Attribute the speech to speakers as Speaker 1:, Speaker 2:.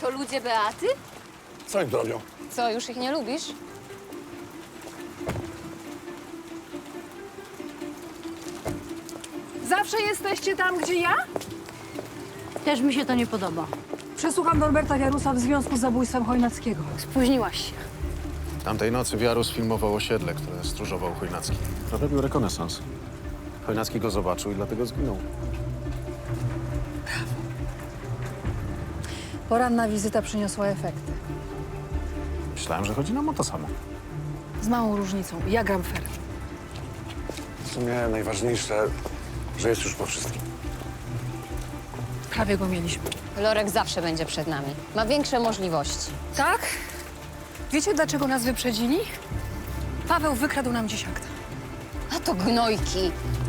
Speaker 1: To ludzie Beaty?
Speaker 2: Co im to robią?
Speaker 1: Co, już ich nie lubisz?
Speaker 3: Zawsze jesteście tam, gdzie ja?
Speaker 4: Też mi się to nie podoba.
Speaker 3: Przesłucham Norberta Jarusa w związku z zabójstwem Chojnackiego.
Speaker 4: Spóźniłaś się.
Speaker 5: Tamtej nocy Wiarus filmował osiedle, które stróżował Chojnacki. Robił rekonesans. Chojnacki go zobaczył i dlatego zginął.
Speaker 3: Poranna wizyta przyniosła efekty.
Speaker 5: Myślałem, że chodzi nam o to samo.
Speaker 3: Z małą różnicą. Ja gram fair.
Speaker 2: W sumie najważniejsze, że jest już po wszystkim.
Speaker 3: Prawie go mieliśmy.
Speaker 1: Lorek zawsze będzie przed nami. Ma większe możliwości.
Speaker 3: Tak? Wiecie, dlaczego nas wyprzedzili? Paweł wykradł nam dziś akt.
Speaker 1: A to gnojki.